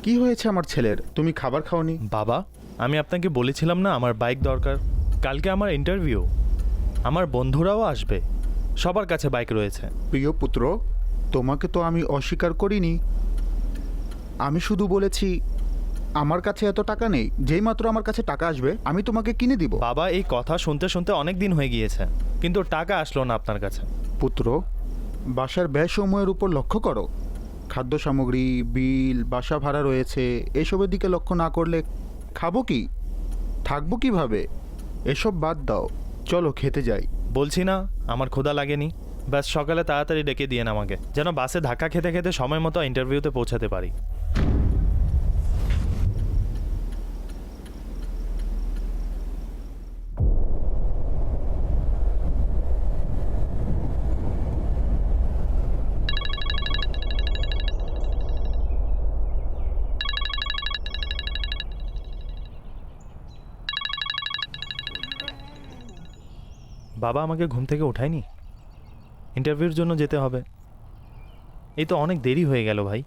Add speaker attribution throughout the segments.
Speaker 1: কি হয়েছে আমার ছেলের? তুমি খাবার খাওনি?
Speaker 2: বাবা, আমি আপনাকে বলেছিলাম না আমার বাইক দরকার। কালকে আমার ইন্টারভিউ, আমার বন্ধুরাও আসবে, সবার কাছে বাইক রয়েছে।
Speaker 1: প্রিয় পুত্র, তোমাকে তো আমি অস্বীকার করিনি। আমি শুধু বলেছি আমার কাছে এত টাকা নেই, যেই মাত্র আমার কাছে টাকা আসবে আমি তোমাকে কিনে দিব।
Speaker 2: বাবা, এই কথা শুনতে শুনতে অনেক দিন হয়ে গিয়েছে, কিন্তু টাকা আসলো না আপনার কাছে।
Speaker 1: পুত্র, বাসার ব্যয় সময়ের উপর লক্ষ্য করো। খাদ্য সামগ্রী, বিল, বাসা ভাড়া রয়েছে, এসবের দিকে লক্ষ্য না করলে খাবো কি, থাকবো কিভাবে? এসব বাদ দাও, চলো খেতে যাই।
Speaker 2: বলছি না আমার ক্ষুধা লাগেনি। ব্যাস সকালে তাড়াতাড়ি ডেকে দিয়েন আমাকে, যেন বাসে ধাক্কা খেতে খেতে সময় মতো ইন্টারভিউতে পৌঁছাতে পারি। বাবা আমাকে ঘুম থেকে ওঠায়নি, ইন্টারভিউর জন্য যেতে হবে। এই তো অনেক দেরি হয়ে গেল ভাই।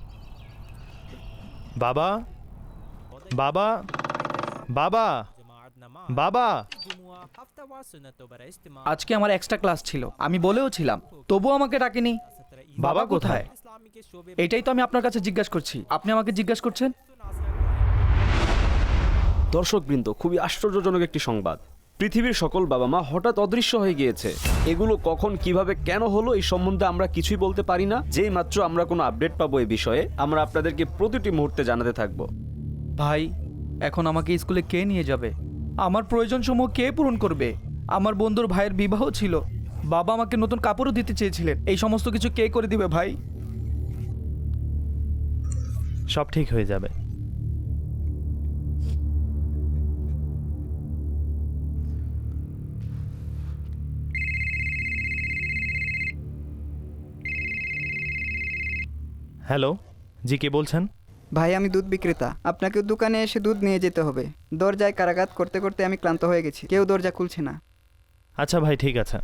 Speaker 2: বাবা, বাবা, বাবা, বাবা।
Speaker 3: আজকে আমার এক্সট্রা ক্লাস ছিল, আমি বলেও ছিলাম, তবুও আমাকে ডাকেনি।
Speaker 2: বাবা কোথায়?
Speaker 3: এটাই তো আমি আপনার কাছে জিজ্ঞাসা করছি, আপনি আমাকে জিজ্ঞাসা করছেন।
Speaker 4: দর্শকবৃন্দ, খুবই আশ্চর্যজনক একটি সংবাদ। পৃথিবীর সকল বাবা মা হঠাৎ অদৃশ্য হয়ে গিয়েছে। এগুলো কখন, কিভাবে, কেন হলো এই সম্বন্ধে আমরা কিছুই বলতে পারি না। যেই মাত্র আমরা কোনো আপডেট পাবো এই বিষয়ে, আমরা আপনাদেরকে প্রতিটি মুহূর্তে জানাতে থাকবো।
Speaker 3: ভাই, এখন আমাকে স্কুলে কে নিয়ে যাবে? আমার প্রয়োজনসমূহ কে পূরণ করবে? আমার বন্ধুর ভাইয়ের বিবাহ ছিল, বাবা আমাকে নতুন কাপড়ও দিতে চেয়েছিলেন, এই সমস্ত কিছু কে করে দিবে ভাই?
Speaker 2: সব ঠিক হয়ে যাবে। হ্যালো, জি কে বলছেন?
Speaker 5: ভাই, আমি দুধ বিক্রেতা। আপনাকে দোকানে এসে দুধ নিয়ে যেতে হবে। দরজায় কারাঘাত করতে করতে আমি ক্লান্ত হয়ে গেছি, কেউ দরজা খুলছে না।
Speaker 2: আচ্ছা ভাই, ঠিক আছে।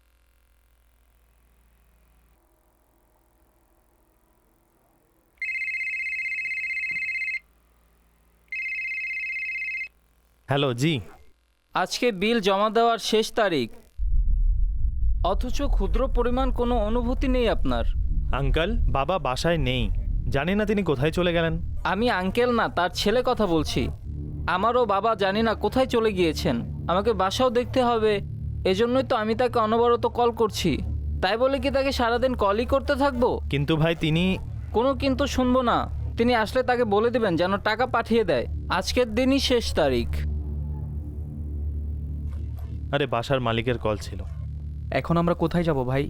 Speaker 2: হ্যালো, জি।
Speaker 6: আজকে বিল জমা দেওয়ার শেষ তারিখ, অথচ ক্ষুদ্র পরিমাণ কোনো অনুভূতি নেই আপনার।
Speaker 2: আঙ্কেল, বাবা বাসায় নেই, জানি না তিনি কোথায় চলে গেলেন।
Speaker 6: আমি আঙ্কেল না, তার ছেলে কথা বলছি। আমারও বাবা জানি না কোথায় চলে গিয়েছেন, আমাকে বাসাও দেখতে হবে, এজন্যই তো আমি তাকে অনবরত কল করছি। তাই বলে কি তাকে সারাদিন কলই করতে থাকবো?
Speaker 2: কিন্তু ভাই তিনি...
Speaker 6: কোনো কিন্তু শুনবো না। তিনি আসলে তাকে বলে দেবেন যেন টাকা পাঠিয়ে দেয়। আজকের দিনই শেষ তারিখ।
Speaker 2: আরে বাসার মালিকের কল ছিল।
Speaker 3: এখন আমরা কোথায় যাব ভাই?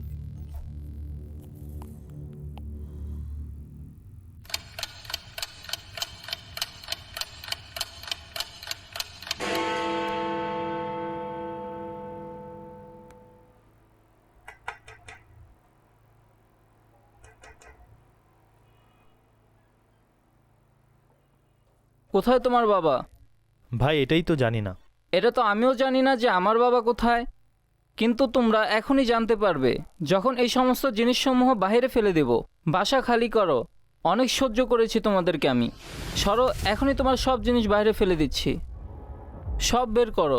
Speaker 6: কোথায় তোমার বাবা?
Speaker 2: ভাই এটাই তো জানি না।
Speaker 6: এটা তো আমিও জানি না যে আমার বাবা কোথায়, কিন্তু তোমরা এখনই জানতে পারবে যখন এই সমস্ত জিনিসসমূহ বাইরে ফেলে দেব। বাসা খালি করো, অনেক সহ্য করেছি তোমাদেরকে আমি। সরো, এখনই তোমার সব জিনিস বাইরে ফেলে দিচ্ছি, সব বের করো।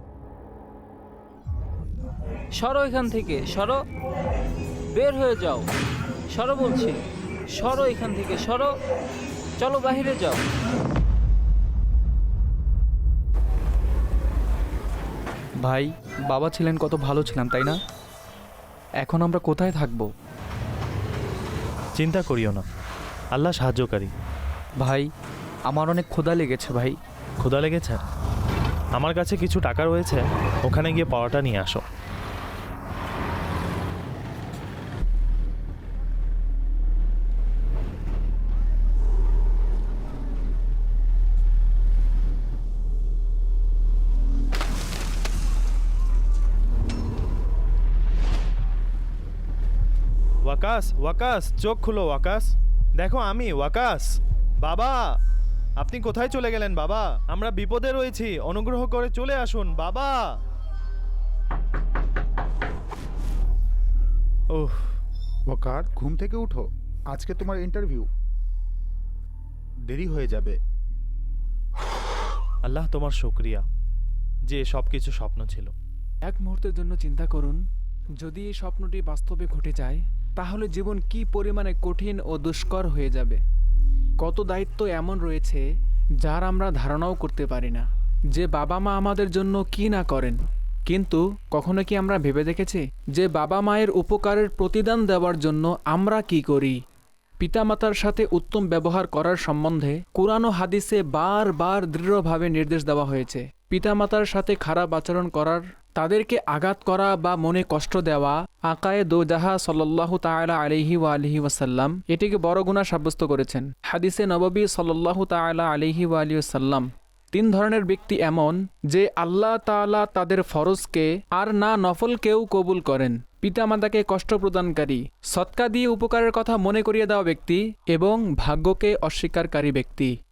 Speaker 6: সরো এখান থেকে, সরো, বের হয়ে যাও। সরো বলছি, সরো এখান থেকে, সরো, চলো বাইরে যাও।
Speaker 3: ভাই, বাবা ছিলেন কত ভালো ছিলাম, তাই না? এখন আমরা কোথায় থাকবো?
Speaker 2: চিন্তা করিও না, আল্লাহ সাহায্যকারী।
Speaker 3: ভাই, আমার অনেক ক্ষুধা লেগেছে ভাই।
Speaker 2: ক্ষুধা লেগেছে? আমার কাছে কিছু টাকা রয়েছে, ওখানে গিয়ে পাওয়াটা নিয়ে আসো। ওয়াকাস, ওয়াকাস, চোখ খুলো ওয়াকাস, দেখো আমি ওয়াকাস। বাবা, আপনি কোথায় চলে গেলেন বাবা? আমরা বিপদে রয়েছি, অনুগ্রহ করে চলে আসুন বাবা। ওহ,
Speaker 1: ওয়াকার, ঘুম থেকে উঠো, আজকে তোমার ইন্টারভিউ। দেরি হয়ে যাবে।
Speaker 2: আল্লাহ তোমার শুকরিয়া যে সব কিছু স্বপ্ন ছিল।
Speaker 7: এক মুহূর্তের জন্য চিন্তা করুন, যদি এই স্বপ্নটি বাস্তবে ঘটে যায় তাহলে জীবন কি পরিমাণে কঠিন ও দুষ্কর হয়ে যাবে। কত দায়িত্ব এমন রয়েছে যার আমরা ধারণাও করতে পারি না, যে বাবা মা আমাদের জন্য কি না করেন। কিন্তু কখনো কি আমরা ভেবে দেখেছি যে বাবা মায়ের উপকারের প্রতিদান দেওয়ার জন্য আমরা কি করি? পিতামাতার সাথে উত্তম ব্যবহার করার সম্বন্ধে কুরআন ও হাদিসে বারবার দৃঢ়ভাবে নির্দেশ দেওয়া হয়েছে। পিতামাতার সাথে খারাপ আচরণ করার, তাদেরকে আঘাত করা বা মনে কষ্ট দেওয়া, আকায়ে দোজাহা সাল্লাল্লাহু তাআলা আলাইহি ওয়া আলিহি ওয়াসাল্লাম এটিকে বড় গুনাহ সাব্যস্ত করেছেন। হাদিসে নববী সাল্লাল্লাহু তাআলা আলাইহি ওয়া আলিহি ওয়াসাল্লাম 3 ধরনের ব্যক্তি এমন যে আল্লাহ তাআলা তাদের ফরজকে আর না নফলকেও কবুল করেন। পিতামাতাকে কষ্ট প্রদানকারী, সৎকা দিয়ে উপকারের কথা মনে করিয়ে দেওয়া ব্যক্তি এবং ভাগ্যকে অস্বীকারী ব্যক্তি।